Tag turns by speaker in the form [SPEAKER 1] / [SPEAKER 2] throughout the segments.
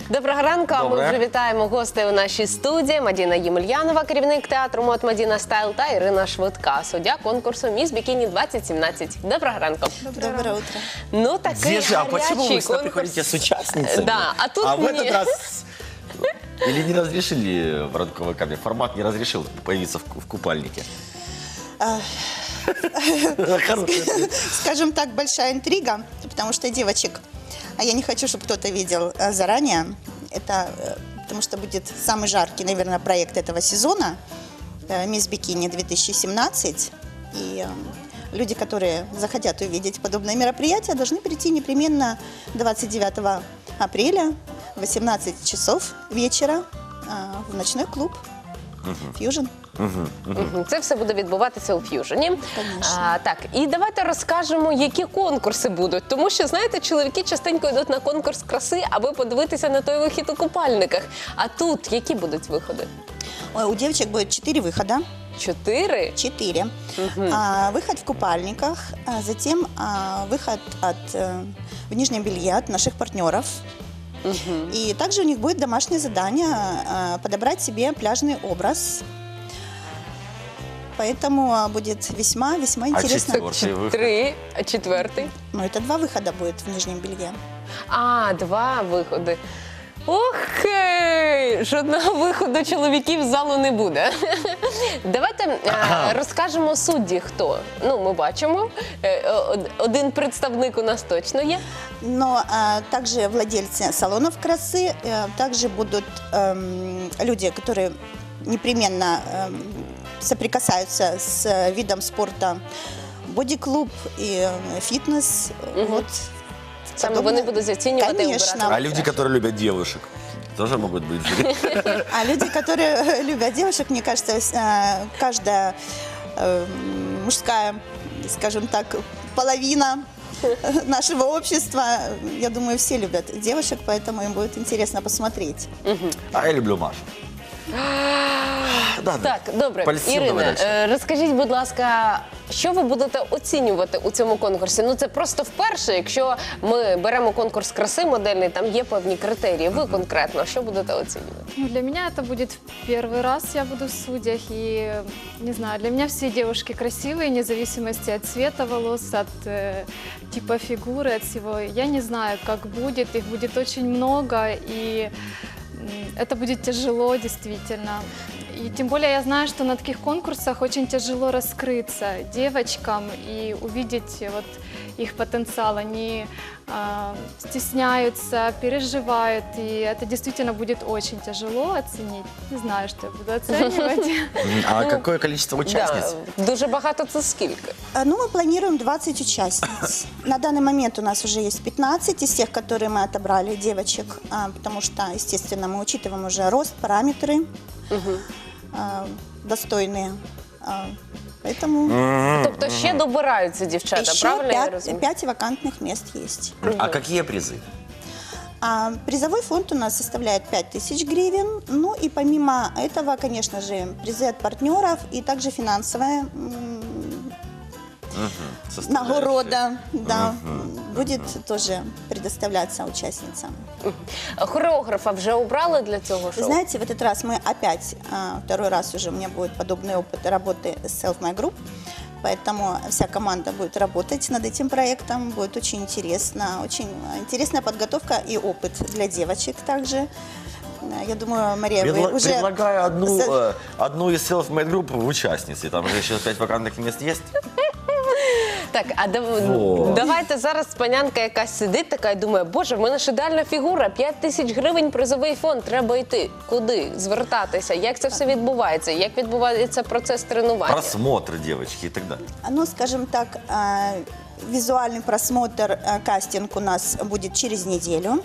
[SPEAKER 1] Доброго ранку, а ми
[SPEAKER 2] Добре.
[SPEAKER 1] вже вітаємо гостей у нашій студії. Мадіна Ємельянова, керівник театру «Мод Мадіна Стайл» та Ірина Швидка, суддя конкурсу «Міс Бікіні 2017». Доброго ранку.
[SPEAKER 3] Доброе утро.
[SPEAKER 1] Ну, такий
[SPEAKER 2] Здесь а почему вы
[SPEAKER 1] гарячий
[SPEAKER 2] всегда
[SPEAKER 1] конкурс.
[SPEAKER 2] приходите с участницами?
[SPEAKER 1] Да, а тут
[SPEAKER 2] в
[SPEAKER 1] мне.
[SPEAKER 2] этот раз... Или не разрешили в ранковой камере? Формат не разрешил появиться в купальнике? Хороший ответ.
[SPEAKER 3] Скажем так, большая интрига, потому что девочек, а я не хочу, чтобы кто-то видел заранее. Это потому что будет самый жаркий, наверное, проект этого сезона «Мисс Бикини 2017». И люди, которые захотят увидеть подобное мероприятие, должны прийти непременно 29 апреля в 18 часов вечера в ночной клуб «Фьюжн».
[SPEAKER 1] Це все буде відбуватися у «Ф'южені».
[SPEAKER 3] Конечно.
[SPEAKER 1] Так, і давайте розкажемо, які конкурси будуть. Тому що, знаєте, чоловіки частенько йдуть на конкурс краси, аби подивитися на той вихід у купальниках. А тут які будуть виходи?
[SPEAKER 3] Ой, у девочек будет 4 выхода.
[SPEAKER 1] 4?
[SPEAKER 3] 4. Выход в купальниках, затем выход в нижнем белье от наших партнеров. И также у них будет домашнее задание подобрать себе пляжный образ. Поэтому будет весьма интересно.
[SPEAKER 2] четвертый выход?
[SPEAKER 1] 3, а 4?
[SPEAKER 3] Ну, это 2 выхода будет в нижнем белье.
[SPEAKER 1] А, 2 виходи. Ох, жодного виходу чоловіків з залу не буде. Давайте розкажемо судді, хто. Ну, ми бачимо, один представник у нас точно є.
[SPEAKER 3] Но также владельцы салонов красы, также будут люди, которые непременно соприкасаются с видом спорта, боди-клуб и фитнес. Вот.
[SPEAKER 1] Саме вони будуть оцінювати і
[SPEAKER 3] Конечно.
[SPEAKER 1] обирати.
[SPEAKER 2] А люди, которые любят девушек, тоже могут быть в жюри?
[SPEAKER 3] А люди, которые любят девушек, мне кажется, каждая мужская, скажем так, половина нашего общества, я думаю, все любят девушек, поэтому им будет интересно посмотреть.
[SPEAKER 2] А я люблю Машу. Да,
[SPEAKER 1] Так, добре.
[SPEAKER 2] Польстів, давай
[SPEAKER 1] Ірина,
[SPEAKER 2] дальше.
[SPEAKER 1] розкажіть, будь ласка, що ви будете оцінювати у цьому конкурсі? Ну, це просто вперше, якщо ми беремо конкурс краси модельний, там є певні критерії. Ви конкретно, що будете оцінювати?
[SPEAKER 4] Ну, для меня это будет первый раз, я буду в судьях, и, не знаю, для меня все девушки красивые, вне зависимости от цвета волос, от типа фигуры, от всего. Я не знаю, как будет, их будет очень много, и это будет тяжело, действительно. И тем более я знаю, что на таких конкурсах очень тяжело раскрыться девочкам и увидеть вот их потенциал. Они стесняются, переживают, и это действительно будет очень тяжело оценить. Не знаю, что я буду оценивать.
[SPEAKER 2] А какое количество участниц?
[SPEAKER 1] Да, дуже багато це скільки?
[SPEAKER 3] Ну, мы планируем 20 участниц. На данный момент у нас уже есть 15 из тех, которые мы отобрали, девочек, потому что, естественно, мы учитываем уже рост, параметры достойные. Поэтому
[SPEAKER 1] Тобто ще добираються дівчата, правильно я
[SPEAKER 3] еще
[SPEAKER 1] розумію?
[SPEAKER 3] 5 вакантных мест есть.
[SPEAKER 2] А какие призы?
[SPEAKER 3] Призовой фонд у нас составляет 5000 гривен. Ну и помимо этого, конечно же, призы от партнеров и также финансовая нагорода, да, будет тоже предоставляться участницам.
[SPEAKER 1] Хореографа вже обрали для цього
[SPEAKER 3] Вы
[SPEAKER 1] шоу?
[SPEAKER 3] знаете, в этот раз мы опять, второй раз уже у меня будет подобный опыт работы с Self My Group, поэтому вся команда будет работать над этим проектом, будет очень интересная подготовка и опыт для девочек также. Я думаю, Мария, вы уже...
[SPEAKER 2] Предлагаю одну из self-made групп в участницы. Там же еще 5 вакантных мест есть.
[SPEAKER 1] Так, а
[SPEAKER 2] Вот.
[SPEAKER 1] давайте зараз панянка якась сидить така і думає, боже, в мене ж ідеальна фігура, 5000 гривень призовий фонд, треба йти. Куди? Звертатися? Як це все відбувається? Як відбувається процес тренування?
[SPEAKER 2] Просмотр девочки и так далее.
[SPEAKER 3] Ну, скажем так, визуальный просмотр, кастинг у нас будет через неделю.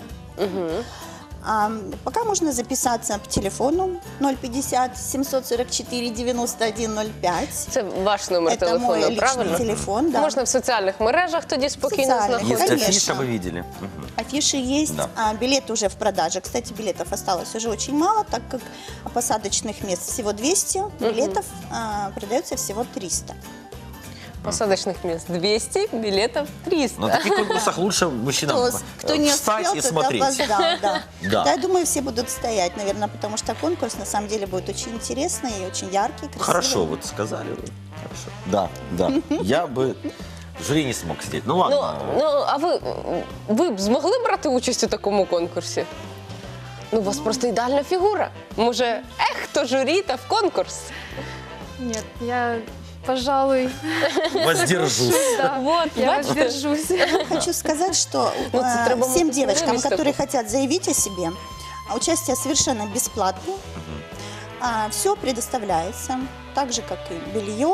[SPEAKER 3] Пока можно записаться по телефону 050 744 9105.
[SPEAKER 1] Це ваш номер
[SPEAKER 3] Это
[SPEAKER 1] телефону,
[SPEAKER 3] мой личный
[SPEAKER 1] правильно?
[SPEAKER 3] телефон, да.
[SPEAKER 1] Можна в соціальних мережах тоді спокійно
[SPEAKER 3] Соціальних.
[SPEAKER 1] знаходитися.
[SPEAKER 2] Есть
[SPEAKER 3] Конечно.
[SPEAKER 2] афиша, вы видели?
[SPEAKER 3] Афиши есть,
[SPEAKER 2] Да.
[SPEAKER 3] билеты уже в продаже. Кстати, билетов осталось уже очень мало, так как посадочных мест всего 200, билетов продается всего 300.
[SPEAKER 1] посадочных мест 200, билетов 300.
[SPEAKER 2] На таких конкурсах лучше мужчинам
[SPEAKER 3] Кто не
[SPEAKER 2] встать
[SPEAKER 3] успел,
[SPEAKER 2] и
[SPEAKER 3] тот
[SPEAKER 2] смотреть.
[SPEAKER 3] опоздал, да.
[SPEAKER 2] Да.
[SPEAKER 3] Да, я думаю, все будут стоять, наверное, потому что конкурс на самом деле будет очень интересный и очень яркий, красивый.
[SPEAKER 2] Хорошо, вот сказали вы. Хорошо. Да, да. Я бы в жюри не смог сидеть. Ну ладно.
[SPEAKER 1] А ви б змогли брати участь у такому конкурсі? Ну, у вас просто ідеальна фігура. Може, хто журі та в конкурс?
[SPEAKER 4] Нет, я, пожалуй,
[SPEAKER 2] Воздержусь.
[SPEAKER 4] да,
[SPEAKER 1] Вот,
[SPEAKER 4] я
[SPEAKER 1] бачите?
[SPEAKER 4] воздержусь.
[SPEAKER 3] Хочу сказать, что
[SPEAKER 1] Ну, це треба
[SPEAKER 3] всем
[SPEAKER 1] мати
[SPEAKER 3] девочкам,
[SPEAKER 1] виставку.
[SPEAKER 3] которые хотят заявить о себе, участие совершенно бесплатно. Все предоставляется, так же, как и белье.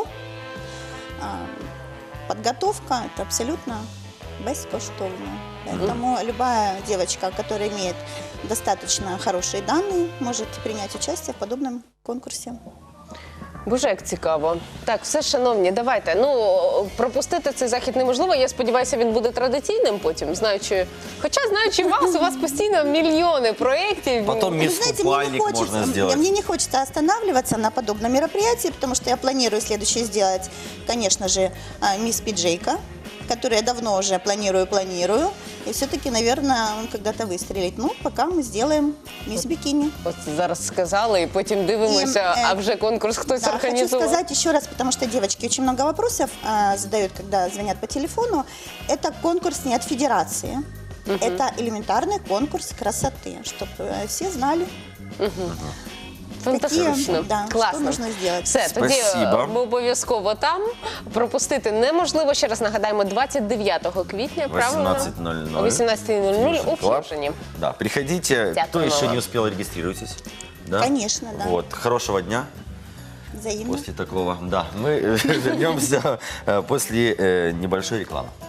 [SPEAKER 3] Подготовка – это абсолютно бескоштовно. Поэтому любая девочка, которая имеет достаточно хорошие данные, может принять участие в подобном конкурсе.
[SPEAKER 1] Боже, як цікаво. Так, все, шановні, давайте. Ну, пропустити цей захід неможливо. Я сподіваюся, він буде традиційним потім, знаючи вас, у вас постійно мільйони проєктів.
[SPEAKER 2] Потом
[SPEAKER 3] Вы
[SPEAKER 2] мисс
[SPEAKER 3] знаете, мне не
[SPEAKER 2] Купальник можно
[SPEAKER 3] хочется,
[SPEAKER 2] сделать.
[SPEAKER 3] мне не хочется останавливаться на подобном мероприятии, потому что я планирую следующее сделать, конечно же, мисс Пиджейка, которую я давно уже планирую. И все-таки, наверное, он когда-то выстрелит. Ну, пока мы сделаем мисс Бикини.
[SPEAKER 1] От зараз сказали, і потім дивимося, а вже конкурс хтось
[SPEAKER 3] Да, хочу
[SPEAKER 1] організував.
[SPEAKER 3] сказать еще раз, потому что девочки очень много вопросов задают, когда звонят по телефону. Это конкурс не от федерации. Это элементарный конкурс красоты, чтобы все знали,
[SPEAKER 1] Фантастично.
[SPEAKER 3] да,
[SPEAKER 1] Класно.
[SPEAKER 3] що можна зробити.
[SPEAKER 1] Все, тоді
[SPEAKER 2] Спасибо.
[SPEAKER 1] ми обов'язково там. Пропустити неможливо. Ще раз нагадаємо, 29 квітня, правильно?
[SPEAKER 2] 18:00.
[SPEAKER 1] О 18:00 у
[SPEAKER 2] Клаб.
[SPEAKER 1] Ф'южені.
[SPEAKER 2] Да, приходите. Кто
[SPEAKER 1] Дякую
[SPEAKER 2] еще
[SPEAKER 1] вам.
[SPEAKER 2] не успел, регистрируйтесь. Да?
[SPEAKER 3] Конечно, да.
[SPEAKER 2] Вот, хорошего дня
[SPEAKER 3] Взаимно.
[SPEAKER 2] после такого. Да, мы вернемся после небольшой рекламы.